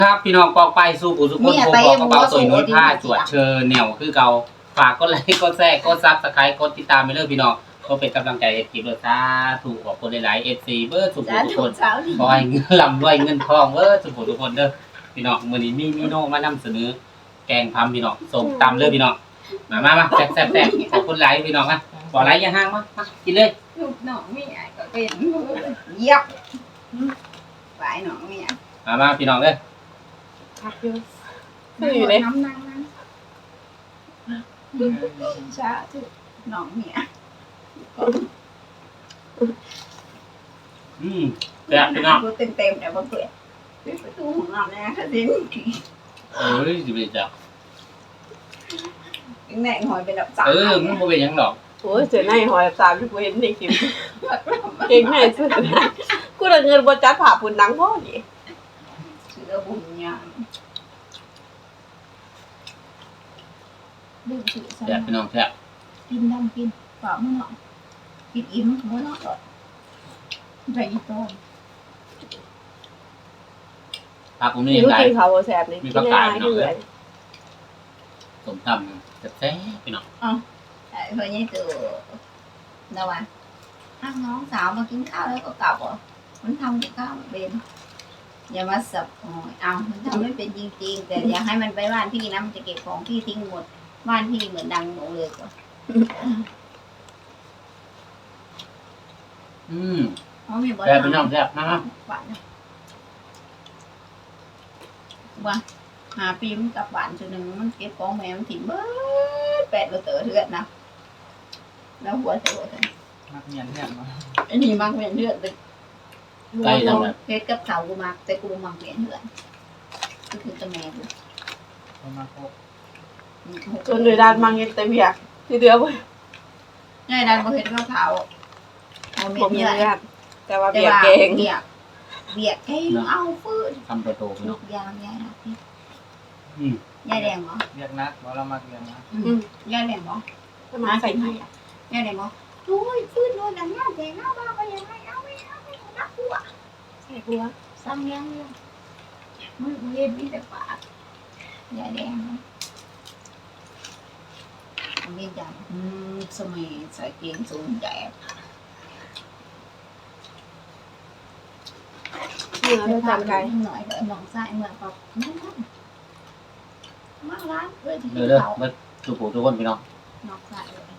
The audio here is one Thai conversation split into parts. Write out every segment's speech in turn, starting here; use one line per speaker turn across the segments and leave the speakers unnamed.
ครับพี่น้องปองไปสู่ผู้สุคนโคบอกกระเป๋าตัวน้อยผ้าจวดเชิญแนวคือเก่าฝากกดไลค์กดแชร์กดซับสไครต์กดติดตามไปเลยพี่น้องก็เป็นกำลังใจให้ทีมเราซาถูกขอบคุณหลายๆ FC เบอร์สุขุทุกคนขอให้เงินลำด้วยเงินทองเบอร์สุขุทุกคนเด้อพี่น้องมื้อนี้มีโน่มานำเสนอแกงพัมพี่น้องส่งตำเลยพี่น้องมาแซ่บขอบคุณหลายพี่น้องนะบ่ไลค์อย่าห่างมากินเลย
ลูกน้องมีไอ้ก็เป็นเยียบฝ่ายน้องมี
มาพี่น้องเด้อ
พักอยู่อยู่เลยน้ำนั่งช้าทุกน้องมี
แซ่บพี่น้อง
เต็มแต่บ่เปิดประตูของเราเนี่ยค่ะสิ
สิเป็นจัง
แหน่งหอยเป็นดับสาม
มันบ่เป็นหยังดอก
โอ้ยเจอในหอยสามที่กูเห็นในคลิปเก่งแม่สุดกูได้เงินบ่จัดผ่าปุ่นหนังพ่อนี่
เสือบุญยามดื่มถือ
แซ่บพี่น้องแซ่บ
กินดำกินเปล่ามื้อเนาะกินอิ่มมื้อเนาะไปอีกต้น
ผักผมนี่
ยังไงเขาแซ่บนี่
มีผักกาดพี่น้องเลยสมตำแซ่บพี่น้อง
เฮ้ยนี่từ đâu à ăn ngon xào mà kiếmข้าวแล้วก็กลับอ่ะมันทำกับข้าวเป็นอย่ามาสับเอามันทำไม่เป็นจริงๆแต่อยากให้มันไปบ้านพี่นะมันจะเก็บของพี่ทิ้งหมดบ้านพี่เหมือนดังหนูเลยก่อน
แซ่บพี่น้องแซ่บนะ
หวานว่าหาปีมันกับหวานจุดหนึ่งมันเก็บของแม่มันถิ่มเบ้อแปดเราเต๋อเถื่อนนะแล้วหัวเต๋อ
มักเงียนเนี่ยมั้ง
ไอ้นี่มักเงียนเถื่อนเลย
ไก่จังเลย
เพชรกับเขากูมักแต่กูมักเงียนเถื่อนก็คือตะแม่กู
มาโค
จนเลยด้านมังเงินเต็มเบียกที่เดือบ่
ง่ายด้านเพชรกับเขา
บ่มีเงินแต่ว่าเบียกเก่ง
เบียกเก่งเอาฟื้น
ทำโต
ลูกยางยายนะพี่ยายแดงเหรอ
เรียกนักว่าเรามักเรียนนะ
ยายแดงเหรอ
มาใส่ไข่
ยายแดงเหรอโอ้ยฟื้นโดนดังหน้าแดงหน้าบ้าไปยังไงเอาไม่นักหัว
ใส่หัว
ซ้ำยังเลยมึงเย็นนี่แต่ปากยายแดงมันเย็นจังสมัยใส่เกงสูงแดด
เราจำไก่
หน่อยก็มองซ้ายเมื่อปอบมาร้านเลยที่
เขาเมื่อทุกผู้ทุกคนพี่น้อง
นอกซ้ายเลย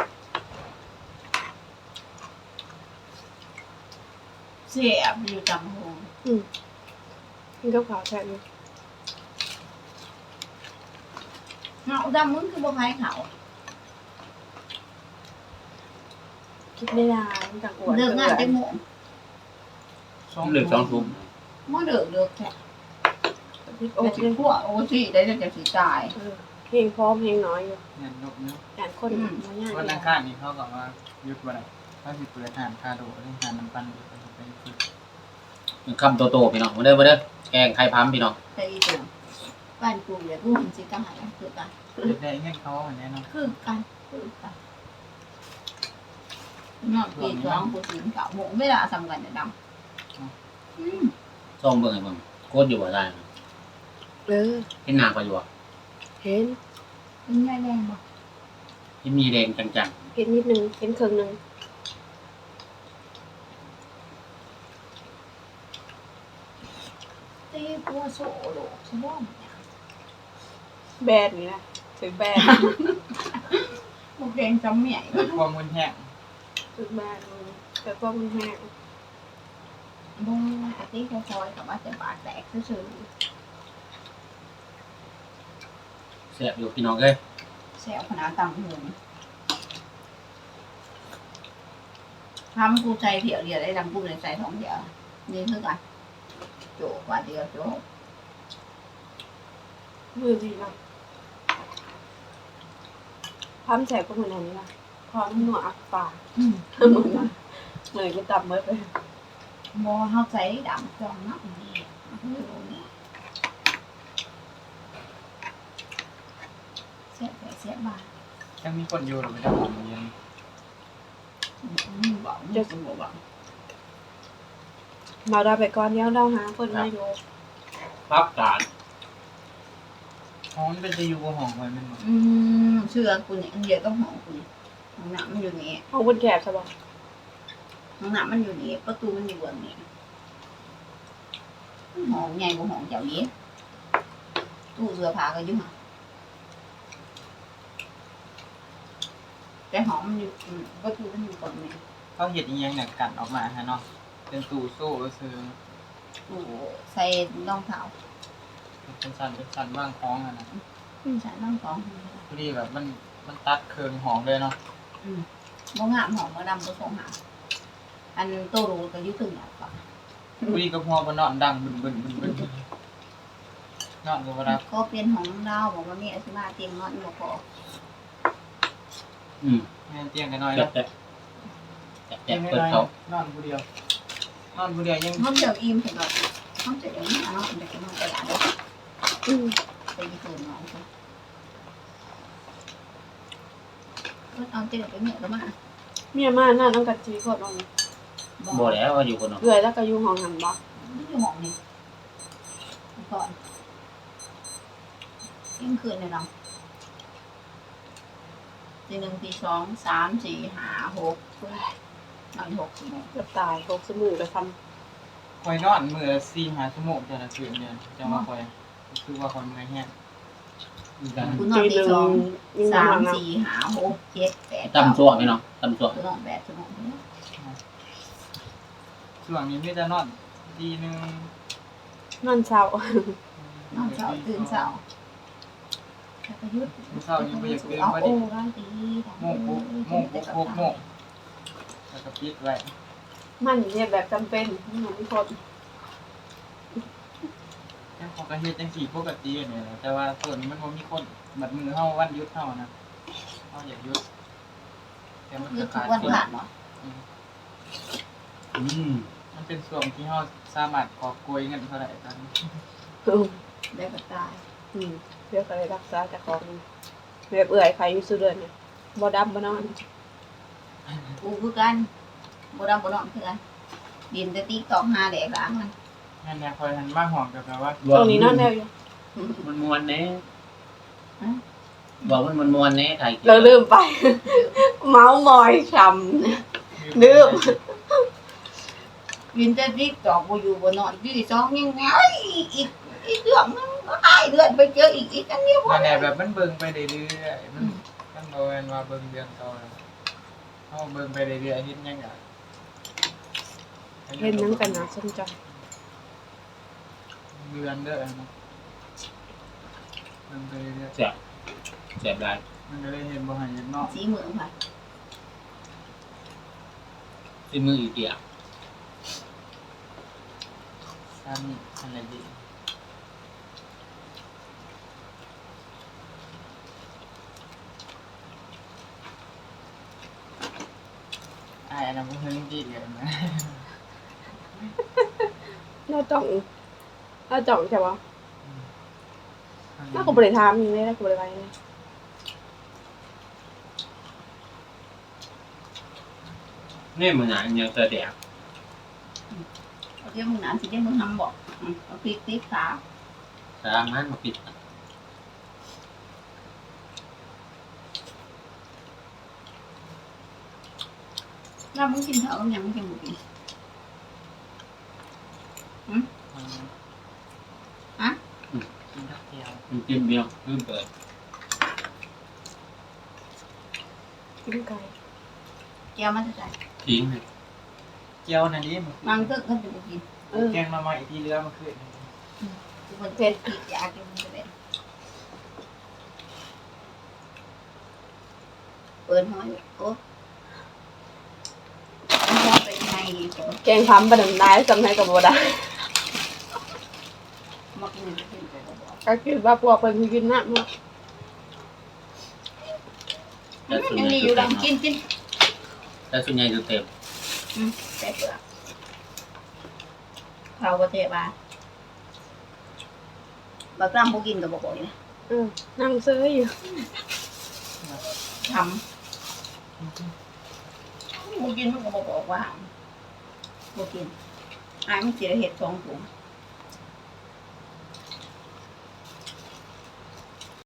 เสียบอยู่จำหง
กินกับข้าวแซ่บอยู่
เงาดำมึงคือบ่ใครเขา
คิดไม่ได้จากอวด
เดือดงานเต็มหมด
เหลือ2 ทุ่ม
มันเดือดแค่แต่ที่พวกโอ้ที่ได้จะสีตาย
เพลงพร้อมเพลงน้อยอยู่
เงินนกเนื้อ
การคนมาง่าย
วันนั้นข้านี่เขาบอกว่ายุดวันไหนถ้าสิเปิดทานคาโดเรื่องทานน้ำปั้นไปฝึก
คำโตพี่น้องมาเด้อแกงไข่พัมพี่น้อง
ใช่ตัวบ้านกูเนี่ยกูเห็นสิกรรมอะไรคือกัน
ได้เงินเขาเหมือนแน่นอน
คือกันนอนปีจ้องกูสินเก่าหมูไม่ละสำคัญจะดำ
ส้มเบิ่งไอ้เบิ่งโคตรอยู่ว่าได้เห็นหน้าก็อยู่
เห็น
แดงบ่
ที่มีแดงจัง
ๆเห็นนิดนึงเห็นครึ่งนึง
ตีปัวโซ่โหลใช่บ่
แบนนี่นะถึงแบน
พวกแดงจำใหญ่
ความมืนแห้ง
ถึงแบนแต่ความมืนแห้ง
บ่ปกติคอยๆกับว่าจะปากแตกซื่อ
แซ่บอยู่พี่น้องเอ้ย
แซวขนาดต่ำหูทำกูใจเถี่ยวเดียวได้ดังกูเลยใจท้องเดียวนี่คือกันโจกว่าเดียวโจก
มือดีนะพร้อมแสบก็เหมือนอันนี้นะพร้อมหนวดอักปากมือก็ตับมือไป
มอเขาใส่ดำจองนักดีเสียบ้า
ยังมีคนอยู่หรือไม่ได้ผมเย็น
บอกจะสมบูรณ์
มาเราไปก่อนเดี๋ยวเราหาคนมาอยู่
พักกาด
ห้องมันเป็นจะอยู่กับห้องไว้แมันบ่
เชื่อกูเนี่ยเดี๋ยวก็หอมกูเนี่ยห้องน้ำมันอยู่นี่
ห้องคนแคบใช่ปะ
ห้องน้ำมันอยู่นี่ประตูมันอยู่แบบนี้ห้องใหญ่กว่าห้องเจ้านี้ตู้เสื้อผ้าก็อยู่ห่างแต่ห้องมันอยู่ประตูมันอยู่ตรงนี้
เขาเห็ดอีหยังเนี่ยกันออกมาฮะเนาะเป็นตู้โซ่ซื้อ
ตู้ใส่รองเท้า
เป็นสันว่างคล้องอะนะ
ใส่รองเท้า
พอดีแบบมันตัดเคืองห้องเลยเนาะ
บ่งามห้องบ่ดำบ่ส่งหาอันโตรูก็อยู่ตึงอ่ะก่อน
พอดีกับหัวบนนอนดังบึนนอนก็บ่รับ
ก็เปลี่ยนห้องเราบอกว่ามีอาชีพเตียงนอนบ่พอ
แม่นเตียงกันน้อย
แจ๊
เนาะ
บแจ๊บแจ๊บ
เตียง
เปิด
น้อย
เขา
นอนผู้เดียว นอนผู้เดียวยัง
ห้องเดียวอิ่มเห็นบ่ห้องเดียวอิ่มเนาะเด็กนอนไปหลานเด้อ
อืม
ไปญี่ปุ่นน้องค่ะก็เอาเจอไปเนี่ยก็มา
เมียมาหน้าต้องกัดจีโคตรเอา
บ่แล้วว่าอยู่คนเนาะ
เกลือแล้วก็อยู่ห้องหันบ่
อยู่ห้องนี่ก่อนยิ่งคืนเนี่ยเนาะทีหนึ่งทีสองสามสี่ห้าหกนอน6 ชั่วโมง
เกือบตายโคกสมูกระท
คอยนอนมื้อละ4-5 ชั่วโมงแต่ละคืนเนี่ยจังว่าคอยคือว่าคอยเมื่อยแห้ง
คุณ
ำ
นอน
จี
ที
หนึ่ง
สอง
ยิ่ง
สาม
นำ
สี่ห้าหกเจ็ดแปด
ตำช่วงนี่เนาะตำช่วง
นอน8 ชั่วโมง
ช่วงนี้มีแต่นอนทีนึง
นอนเช้าน
อนเช้าตื่นเช้าแล้วก็หยุด
เช้ายังบ่อยากตื่น
เอา
พอ
โอ้
ดี
ร้านตี
โมงแล้วก็ปิดไว้
มันเนี่ยแบบจำเป็นนี่มันไม่โคตร
แค่เขาก็เฮ็ดจังซี่ปกติเนี่ยแหละแต่ว่าส่วนนี้มันบ่มีคนบัดมือเฮาวันหยุดเฮานะเฮาอยากหยุดแต่มัน
หยุ
ก็
ดทุ
ขาก ด
วัน
คน
ผ่านเนาะ
มันเป็นช่วงที่เฮาสามารถกอบโกยเงินเท่าไหร่ตอนนี้
ได้ก็ตาย
เรียกอะไรรักษาจากของแบบเอื่อยใครอยู่สุดเดือนเนี่ยบ่ดำบ่นอน
กูคือกันบ่ดำบ่นอนคือกันดินแต่ติ๊กตอกหาแดกล้างมัน
งั้นเนี่ยคอยหันมาหอมกับแบบว่า
ตรงนี้นอนแนวอยู่
มันมวนแน่บอกมันมวนแน่ไทย
เราลืมไป เมาส์มอยช้ำลืม
ดินแต่ติ๊กตอกบ่อยู่บ่นอนที่สองยังไงอีกเรื่องนึงก็หายเดือนไปเจออีกอันนี้บ่
นั่นแหละแบบมันเบิ่งไปเรื่อยๆมันบ่แม่นว่าเบิ่งเดือนต่อเฮาเบิ่งไปเรื่อยๆเฮ็ดหยังอ่ะ
เล่นน้ำกันนะสนใจ
เดือนเด้อเนาะเบิ่งไปเรื่อย
แซ่บแซ่บได้
ๆมันก็เลยเห็นบ่หันเห็นเนาะ
สีเหมืองค่ะ
ที่มืออีเกีย
ตามนี้อะไรดีอันนั้นบ่เฮิงดีเลยนะ
น่าจ่องใช่ปะน่ากูบริทามอย่างนี้น่ากูบริไรเนี่ย
นี่มันหนาอย่างเตอแดก
เดี๋ยวมึงหนานสิเดี๋ยวมึงทำบอกเอาพริกติ๊กขา
สามารถมาปิด
แล้วมึงกินเถอะยังมึงกินหมดกิน
กินทักเดียว
มันกินเบียร์ขึ้นเปิด
กินไก่
แก้วมันจะใจ
ทิ้งเลย
เจียวนั่นนี่มัน
บางตึกก็จะไปกิน
แกงมาใหม่ที่เรือมาขึ้น
ทุกคนเป็นพริกยากินไปเลยเปิดห้อยโอ้มันเป็นไงดีกว่า
แกงพัมประดับได้จำให้กับบัวได้
มากินจะกินไปก็บอก
ก็คิดว่าพวกเป็นกินน้ำ
ยังมีอยู่ดังกินกิน
แต่ส่วนใหญ่จะเต็ม
แต่เปลือกเขาประเทศมาบางครั้งพวกกินกับบอกบอกนะ
นั่งซื้ออยู่
ทำพวกกินมันก็บอกว่าพวกกินมันเสียเห็ด2 ถุง